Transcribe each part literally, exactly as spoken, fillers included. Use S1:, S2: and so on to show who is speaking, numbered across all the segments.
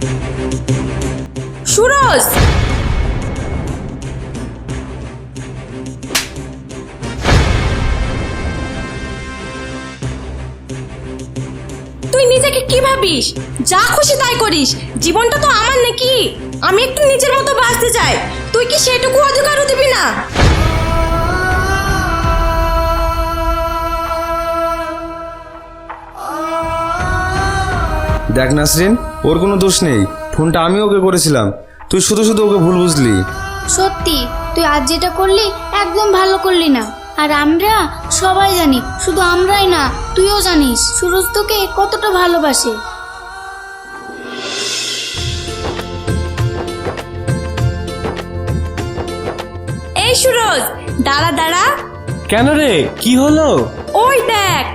S1: সুরজ, তুই নিজেকে কি ভাবিস? যা খুশি তাই করিস। জীবনটা তো আমার নাকি? আমি একটু নিজের মতো বাঁচতে চাই, তুই কি সেটুকু অধিকারও দিবি না?
S2: দেখ নাসরিন, ওর কোনো দোষ নেই। ফোনটা আমি ওকে করেছিলাম, তুই শুধু শুধু ওকে ভুল বুঝলি।
S3: সত্যি তুই আজ যেটা করলি একদম ভালো করলি না। আর আমরা সবাই জানি, শুধু আমরাই না, তুইও জানিস সুরজ তোকে কতটা ভালোবাসে।
S1: এই সুরজ, দাঁড়া দাঁড়া।
S4: কেন রে, কি হলো?
S1: ওই দেখ।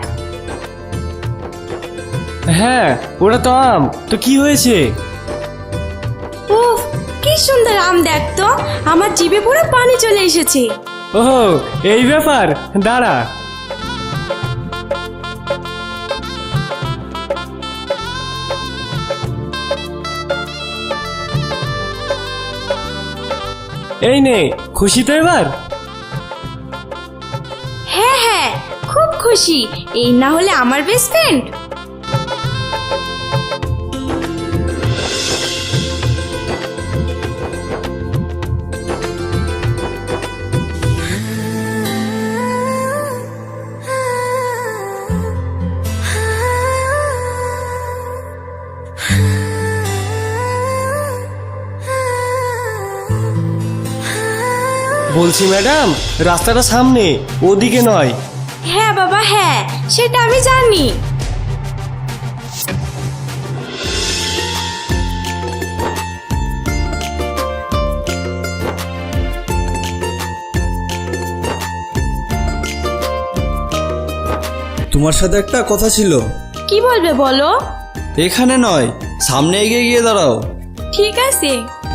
S4: হ্যাঁ, ওটা তো আম। তো কি হয়েছে?
S1: উফ, কি সুন্দর আম দেখ তো, আমার জিভে পুরো পানি চলে এসেছে।
S4: ওহো, এই ব্যাপার, দাঁড়া। এই নে, খুশি তো এবার?
S1: হ্যাঁ হ্যাঁ, খুব খুশি। এই না হলে আমার বেস্ট ফ্রেন্ড।
S4: বলছি ম্যাডাম, রাস্তাটা সামনে, ওদিকে নয়।
S1: হ্যাঁ বাবা হ্যাঁ, সেটা আমি জানি।
S5: তোমার সাথে একটা কথা ছিল।
S1: কি বলবে বলো?
S5: এখানে নয়, সামনে এগিয়ে গিয়ে দাঁড়াও।
S1: ঠিক আছে।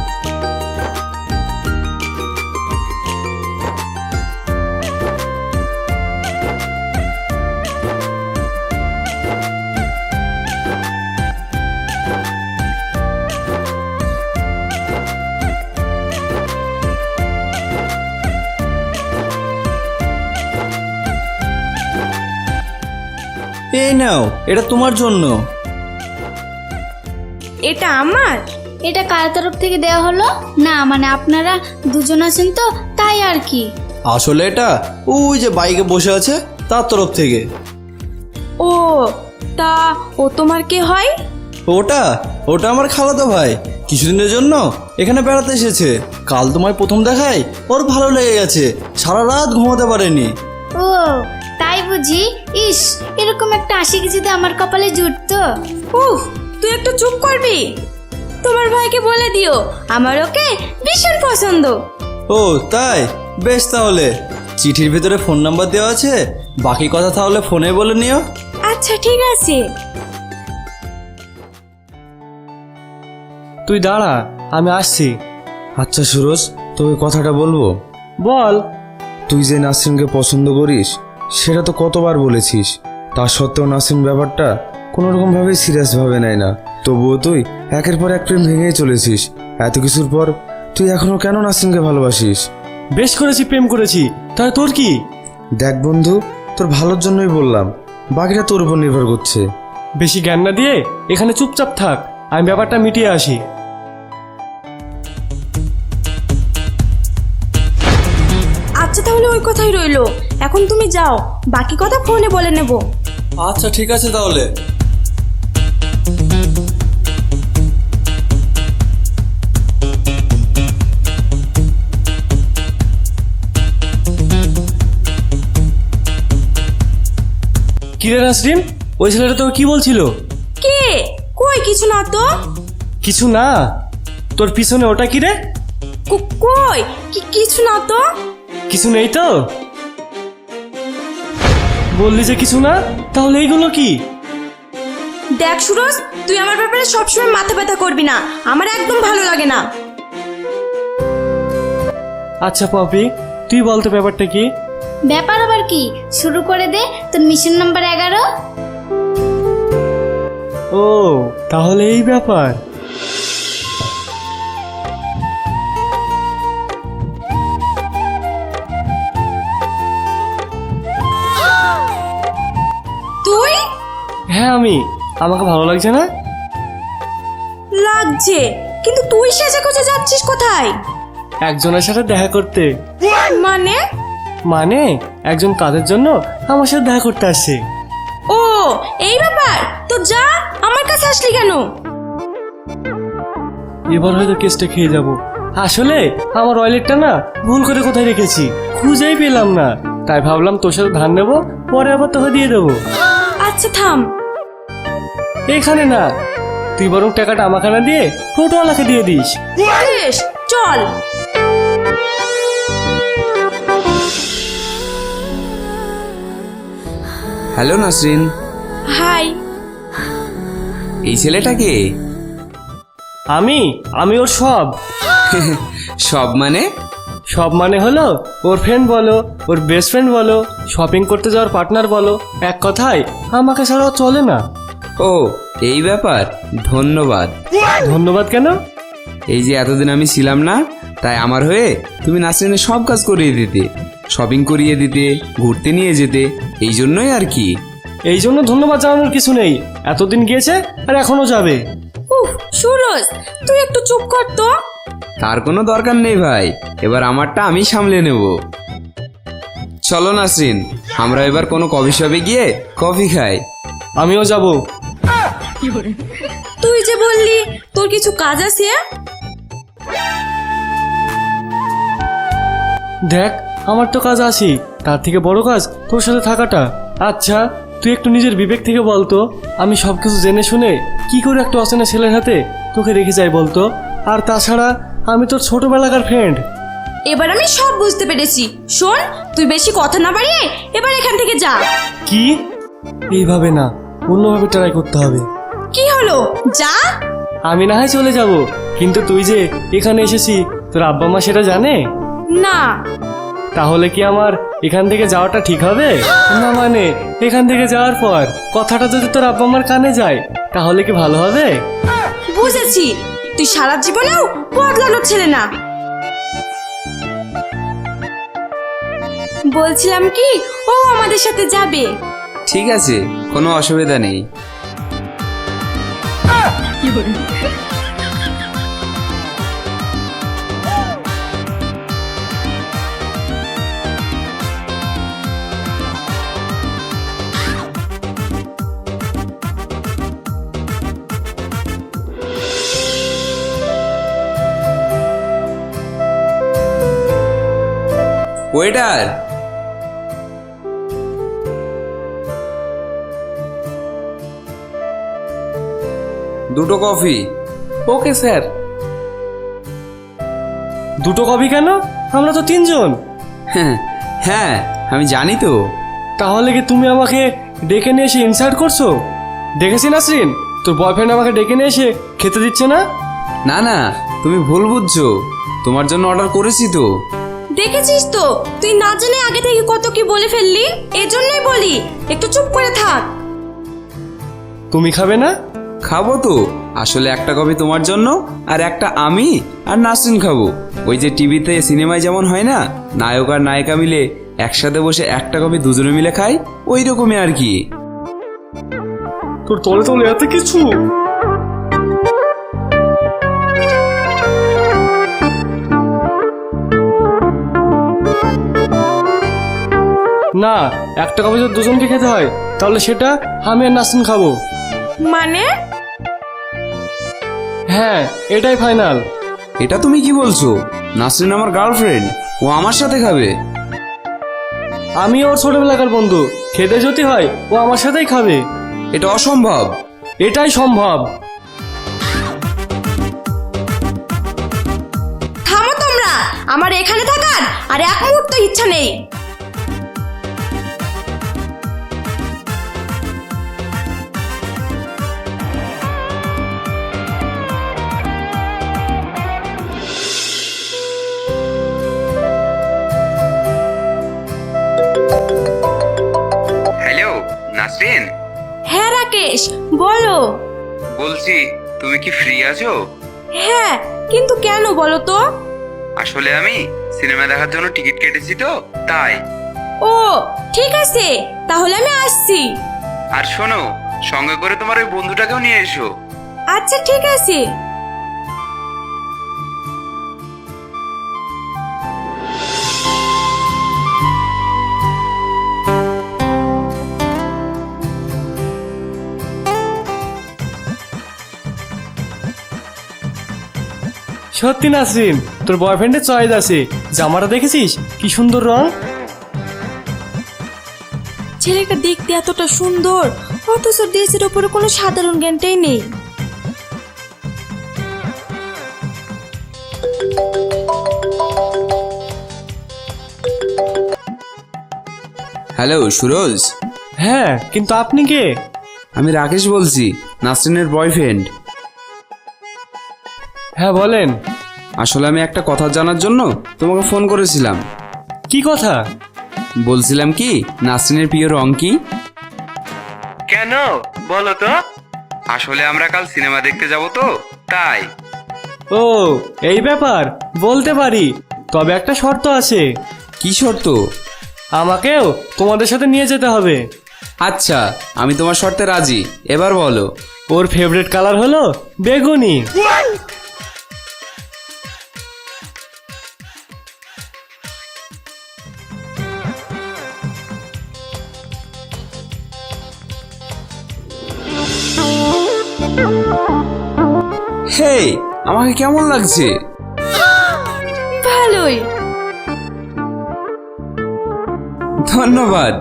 S5: এই নাও, এটা তোমার জন্য।
S1: এটা আমার?
S3: এটা কার তরফ থেকে দেওয়া হলো? না মানে আপনারা দুজন আছেন তো, তাই আর কি।
S5: আসলে এটা ওই যে বাইকে বসে আছে তার তরফ থেকে।
S1: ও, তা ও তোমার কে হয়?
S5: ওটা ওটা আমার খালাতো ভাই, কিছুদিনের জন্য এখানে বেড়াতে এসেছে। কাল তোমায় প্রথম দেখায় ওর ভালো লেগে গেছে, সারা রাত ঘুমাতে পারেনি।
S3: ও তাই বুঝি? ইস, এরকম একটা আশিক যদি আমার কপালে জুটতো।
S1: উফ, তুই একটু চুপ করবি? তোমার ভাইকে বলে দিও আমার ওকে ভীষণ পছন্দ।
S5: ও তাই, বেশ, তাহলে চিঠির ভিতরে ফোন নাম্বার দেওয়া আছে, বাকি কথা তাহলে ফোনে বলে নিও।
S1: আচ্ছা ঠিক আছে।
S4: তুই দাঁড়া, আমি আসছি।
S2: আচ্ছা সুরজ, তোকে কথাটা বলবো।
S4: বল।
S2: তুই যে নাসরিনকে পছন্দ করিস সেটা তো কতবার বলেছিস, তা সত্ত্বেও নাসরিন ব্যাপারটা কোনো রকম ভাবেই সিরিয়াস ভাবে নেয় না। তবুও তুই একের পর এক প্রেম ভেঙেই চলেছিস। এত কিছুর পর তুই এখনো কেন নাসরিনকে ভালোবাসিস?
S4: বেশ করেছি, প্রেম করেছি, তাহলে তোর কি?
S2: দেখ বন্ধু, তোর ভালোর জন্যই বললাম, বাকিটা তোর উপর নির্ভর করছে।
S4: বেশি জ্ঞান না দিয়ে এখানে চুপচাপ থাক, আমি ব্যাপারটা মিটিয়ে আসি।
S1: আচ্ছা তাহলে ওই কথাই রইলো, এখন তুমি যাও, বাকি কথা ফোনে বলে নেব।
S5: আচ্ছা ঠিক আছে তাহলে।
S4: কিরে নাসরিন, ওই ছেলেটা তোর কি বলছিল?
S1: কে? কই কিছু না তো।
S4: কিছু না? তোর পিছনে ওটা কি রে?
S1: কো- কই কি কিছু না তো।
S4: কিছু নেই তো? বললি যে কিছু না, তাহলে এইগুলো কি?
S1: দেখ সুরজ, তুই আমার ব্যাপারে সবসময় মাথা ব্যথা করবি না, আমার একদম ভালো লাগে না।
S4: আচ্ছা পপি, তুই বলতো ব্যাপারটা কি?
S3: ব্যাপার আবার কি, শুরু করে দে তোর মিশন নাম্বার এগারো।
S4: ও তাহলে এই ব্যাপার। হ্যাঁ আমি। আমাকে ভালো লাগছে না?
S1: লাগছে, কিন্তু তুই সেজে গুজে যাচ্ছিস কোথায়?
S4: একজনের সাথে দেখা করতে।
S1: মানে?
S4: মানে একজন কাজের জন্য আমার সাথে দেখা করতে আসছে।
S1: ও এই ব্যাপার, তো যা, আমার কাছে আসলি কেন?
S4: এবার হয়তো কেসটা খেয়ে যাব। আসলে আমার ওয়ালেটটা না ভুল করে কোথায় রেখেছি, খুঁজেই পেলাম না। তাই ভাবলাম তোর সাথে ধার নেবো, পরে আবার তোকে দিয়ে দেবো।
S1: আচ্ছা থাম।
S4: এখানে না, তুই বরং টাকাটা আমাকে না দিয়ে টোটোওয়ালাকে দিয়ে দিস।
S1: বেশ, চল।
S6: Hello Nasrin,
S1: hi.
S6: এই ছেলেটাকে
S4: আমি আমি ওর সব।
S6: সব মানে?
S4: সব মানে হলো ওর ফ্রেন্ড বলো, ওর বেস্ট ফ্রেন্ড বলো, শপিং করতে যাওয়ার পার্টনার বলো, এক কথায় আমাকে ছাড়াও চলে না।
S6: ও এই ব্যাপার, ধন্যবাদ।
S4: ধন্যবাদ কেন?
S6: এই যে এতদিন আমি ছিলাম না, তাই আমার হয়ে তুমি নাসরিনের সব কাজ করিয়ে দিতে, শপিং করিয়ে দিতে, ঘুরতে নিয়ে যেতে, এই জন্যই আর কি।
S4: এই জন্য ধন্যবাদ জানানোর কিছু নেই, এতদিন গিয়েছে আর এখনো যাবে।
S1: উফ সুরজ, তুই একটু চুপ কর তো।
S6: তার কোনো দরকার নেই ভাই, এবার আমারটা আমি সামলে নেব। চলো নাসরিন, আমরা এবার কোনো কফি শপে গিয়ে কফি খাই।
S4: আমিও যাব।
S1: তুই যে বললি তোর কিছু কাজ আছে।
S4: দেখ আমার তো কাজ আছি, তার থেকে বড় কাজ তোর সাথে থাকাটা। আচ্ছা তুই একটু নিজের বিবেক থেকে বলতো, আমি সব কিছু জেনে শুনে কি করে একটা অচেনা ছেলের হাতে তোকে রেখে যাই বলতো? আর তাছাড়া আমি তোর ছোটবেলাকার ফ্রেন্ড।
S1: এবার আমি সব বুঝতে পেরেছি। শোন, তুই বেশি কথা না বাড়িয়ে এবার এখান থেকে যা।
S4: কি? এইভাবে না, অন্যভাবে ট্রাই করতে হবে।
S1: কি হলো, যা।
S4: আমি না হয় চলে যাব, কিন্তু তুই যে এখানে এসেছি তোর আব্বা মা সেটা জানে?
S1: না।
S4: তাহলে কি আমার এখান থেকে যাওয়াটা ঠিক হবে? না মানে এখান থেকে যাওয়ার পর কথাটা যদি তোর আব্বা মার কানে যায় তাহলে কি ভালো হবে?
S1: বুঝেছি, তুই সারা জীবনেও বদলানোর ছেলে না। বলছিলাম কি, ও আমাদের সাথে যাবে।
S6: ঠিক আছে, কোনো অসুবিধা নেই। ওয়েটার, দুটো কফি।
S4: Okay sir. দুটো কপি কেন? আমরা তো তিনজন।
S6: হ্যাঁ হ্যাঁ আমি জানি তো।
S4: তাহলে কি তুমি আমাকে ডেকে নিয়ে এসে ইনসাল্ট করছো? দেখেছি নাসরিন, তোর বয়ফ্রেন্ড আমাকে ডেকে নিয়ে এসে খেতে দিচ্ছে না।
S6: না না, তুমি ভুল বুঝছো, তোমার জন্য অর্ডার করেছি তো।
S1: দেখেছিস তো, তুই না জেনে আগে থেকে কত কি বলে ফেললি। এজন্যই বলি একটু চুপ করে থাক।
S4: তুমি খাবে না?
S6: খাবো তো, আসলে একটা কফি তোমার জন্য আর একটা আমি আর নাসরিন খাবো। ওই যে টিভিতে সিনেমায় যেমন হয় না, নায়ক আর নায়িকা মিলে একসাথে বসে একটা কফি দুজনে মিলে খাই, ওই রকমই আর কি।
S4: তোর তলে তলে এত কিছু। না, একটা কফি যদি দুজনকে খেতে হয় তাহলে সেটা আমি আর নাসরিন খাবো।
S1: মানে?
S4: হ্যাঁ এটাই ফাইনাল।
S6: এটা তুমি কি বলছো? নাসরিন আমার গার্লফ্রেন্ড, ও আমার সাথে খাবে।
S4: আমি ওর ছোটবেলাকার বন্ধু, খেতে যদি হয় ও আমার সাথেই খাবে।
S6: এটা অসম্ভব।
S4: এটাই সম্ভব।
S1: থামো তোমরা, আমার এখানে থাকার আর এক মুহূর্ত ইচ্ছা নেই।
S6: হ্যালো নাসরিন।
S1: হ্যাঁ রাকেশ, বলো।
S6: বলছি তুমি কি ফ্রি আছো?
S1: হ্যাঁ, কিন্তু কেন বলো তো?
S6: আসলে আমি সিনেমা দেখার জন্য টিকিট কেটেছি তো, তাই।
S1: ও ঠিক আছে, তাহলে আমি আসছি।
S6: আর শোনো, সঙ্গে করে তোমার ওই বন্ধুটাকেও নিয়ে এসো।
S1: আচ্ছা ঠিক আছে।
S4: সত্যি নাসরিন, তোর বয়ফ্রেন্ডের চয়েস আছে। জামাটা দেখেছিস কি সুন্দর রং।
S1: ছেলেটা দেখতে এতটা সুন্দর, অথচ দেশের ওপরে কোনো সাধারণ জ্ঞানটাই নেই।
S6: হ্যালো সুরজ।
S4: হ্যাঁ, কিন্তু আপনি কে?
S6: আমি রাকেশ বলছি, নাসরিনের বয়ফ্রেন্ড।
S4: হ্যাঁ বলেন।
S6: আসলে আমি একটা কথা জানার জন্য তোমাকে ফোন করেছিলাম।
S4: কি কথা?
S6: বলছিলাম কি, নাসরিনের প্রিয় রং কি?
S4: কেন বলো তো।
S6: আসলে আমরা কাল সিনেমা দেখতে যাব তো, তাই।
S4: ও এই ব্যাপার, বলতে পারি, তবে একটা শর্ত আছে।
S6: কি শর্ত?
S4: আমাকেও তোমাদের সাথে নিয়ে যেতে হবে।
S6: আচ্ছা, আমি তোমার শর্তে রাজি, এবার বলো।
S4: ওর ফেভারিট কালার হলো বেগুনি।
S6: হে, আমাকে কেমন লাগছে?
S1: ভালোই।
S6: ধন্যবাদ।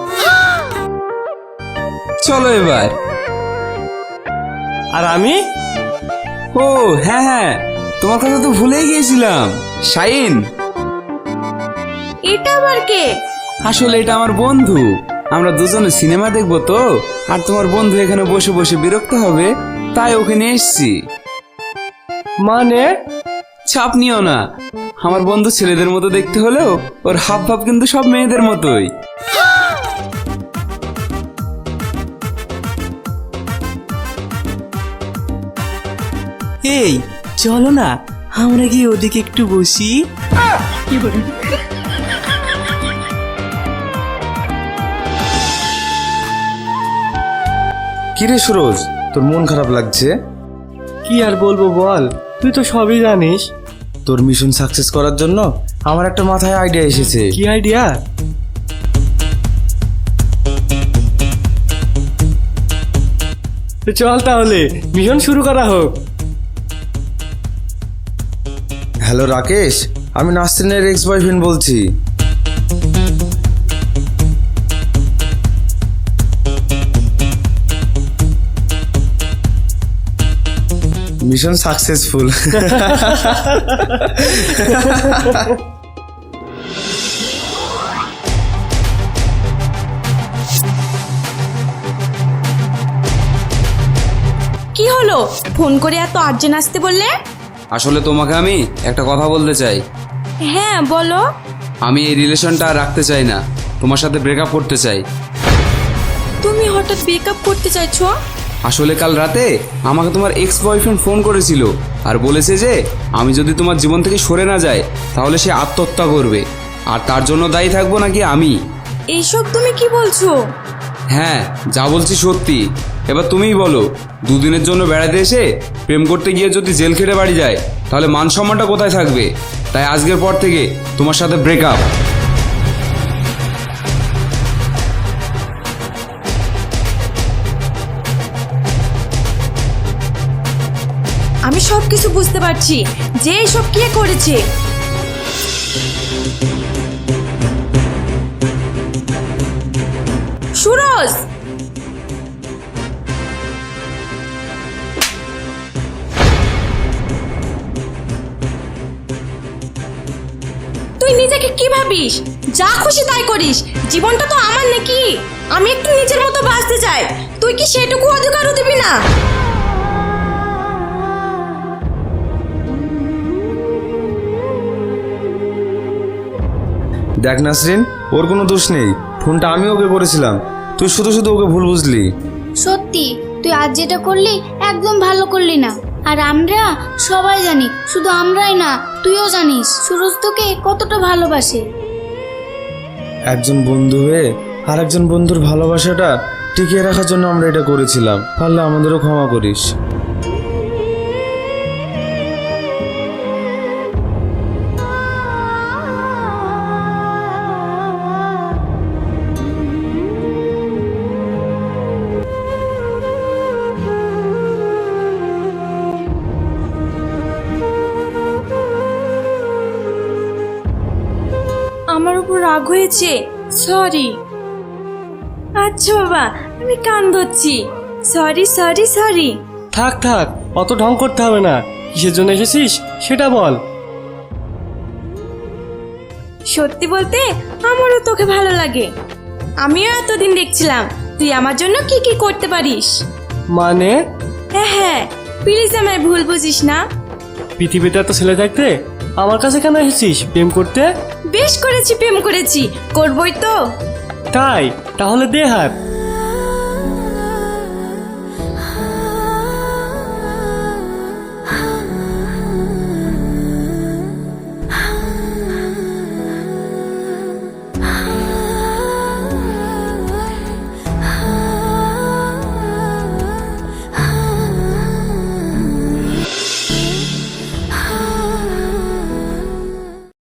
S6: চলো এবার।
S4: আর আমি?
S6: ও হ্যাঁ হ্যাঁ, তোমার কথা তো ভুলেই গিয়েছিলাম। শাইন।
S1: এটা আবার কে?
S6: আসলে এটা আমার বন্ধু। আমরা দুজনে সিনেমা দেখবো তো, আর তোমার বন্ধু এখানে বসে বসে বিরক্ত হবে, তাই ওকে নিয়ে এসছি।
S4: মানে?
S6: চাপ নিও না, আমার বন্ধু ছেলেদের মতো দেখতে হলেও ওর হাব ভাব কিন্তু সব মেয়েদের মতোই।
S7: এই চলো না, আমরা গিয়ে ওদিকে একটু বসি।
S2: কিরে সুরজ, তোর মন খারাপ লাগছে?
S4: কি আর বলবো বল, তুই তো সবই জানিস।
S2: তোর মিশন সাকসেস করার জন্য আমার একটা মাথায় আইডিয়া এসেছে।
S4: কি আইডিয়া? চল তাহলে মিশন শুরু করা হোক।
S2: হ্যালো রাকেশ, আমি নাসরিনের এক্স বয়ফ্রেন্ড বলছি। Mission successful.
S1: কি হলো, ফোন করে এত আর্জেন্ট আসতে বললে?
S6: আসলে তোমাকে আমি একটা কথা বলতে চাই।
S1: হ্যাঁ বলো।
S6: আমি এই রিলেশনটা আর রাখতে চাই না, তোমার সাথে ব্রেকআপ করতে চাই।
S1: তুমি হঠাৎ ব্রেকআপ করতে চাইছো?
S6: আসলে কাল রাতে আমাকে তোমার এক্স বয়ফ্রেন্ড ফোন করেছিল আর বলেছে যে আমি যদি তোমার জীবন থেকে সরে না যাই তাহলে সে আত্মহত্যা করবে, আর তার জন্য দায়ী থাকবো নাকি আমি।
S1: এইসব তুমি কি বলছো?
S6: হ্যাঁ, যা বলছি সত্যি। এবার তুমিই বলো, দুদিনের জন্য বেড়াতে এসে প্রেম করতে গিয়ে যদি জেল খেটে বাড়ি যায় তাহলে মান সম্মানটা কোথায় থাকবে? তাই আজকের পর থেকে তোমার সাথে ব্রেকআপ।
S1: আমি সব কিছু বুঝতে পারছি যে এইসব কে করেছে। সুরজ, তুই নিজেকে কি ভাবিস? যা খুশি তাই করিস, জীবনটা তো আমার নাকি? আমি একটু নিজের মতো বাঁচতে চাই, তুই কি সেটুকু অধিকারও দিবি না?
S2: দেখ নাসরিন, ওর কোনো দোষ নেই, ফোনটা আমি ওকে করেছিলাম, তুই শুধু শুধু ওকে ভুল বুঝলি।
S3: সত্যি তুই আজ যেটা করলি একদম ভালো করলি না। আর আমরা সবাই জানি, শুধু আমরাই না, তুইও জানিস সুরজ তোকে কতটা ভালোবাসে।
S2: একজন বন্ধু হয়ে আর একজন বন্ধুর ভালোবাসাটা টিকিয়ে রাখার জন্য আমরা এটা করেছিলাম, পারলে আমাদেরও ক্ষমা করিস।
S1: আমার উপর রাগ হয়েছে, সরি। আচ্ছা বাবা, আমি কান ধরছি। Sorry sorry sorry.
S4: থাক থাক, অত ঢং করতে হবে না। কিসের জন্য এসেছিস সেটা বল।
S1: সত্যি বলতে আমারও তোকে ভালো লাগে। আমিও এতদিন দেখছিলাম তুই আমার জন্য কি কি করতে পারিস।
S4: মানে?
S1: হ্যাঁ হ্যাঁ, প্লিজ আমায় ভুল বুঝিস না।
S4: পৃথিবীতে এত ছেলে থাকতে আমার কাছে কেন এসেছিস প্রেম করতে?
S1: বেশ করেছি, প্রেম করেছি, করবই তো।
S4: তাই? তাহলে দে হাত।